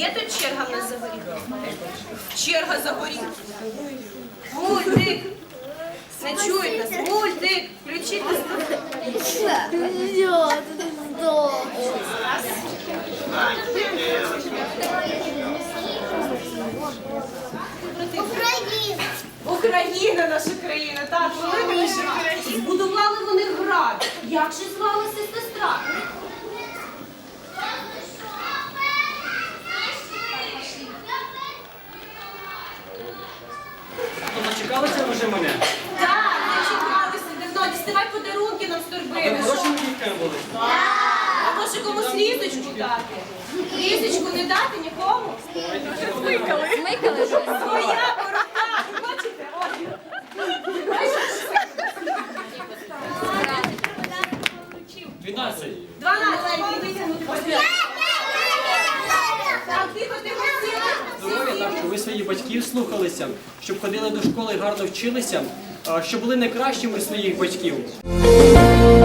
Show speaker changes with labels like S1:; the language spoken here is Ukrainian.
S1: Є тут черга в нас за горіхом? Черга за горіхом. Мультик. Не чують нас. Мультик. Включіть нас. Україна, наша країна, так, велика наша країна. Збудували вони град. Як же звалася сестра?
S2: Дочекалися вже мене?
S1: Так, дочекалися давно. Діставай подарунки нам з торбини.
S2: Хорошими дітками були?
S1: А може комусь лісочку дати? Лісочку не дати нікому?
S3: Смикали вже.
S1: Своя борода, ви бачите? Ось.
S2: 12.
S1: 12 витягнути папір. Так, тихо, тихо,
S2: Здоров'я так, щоб ви своїх батьків слухалися, щоб ходили до школи і гарно вчилися, щоб були найкращими своїх батьків.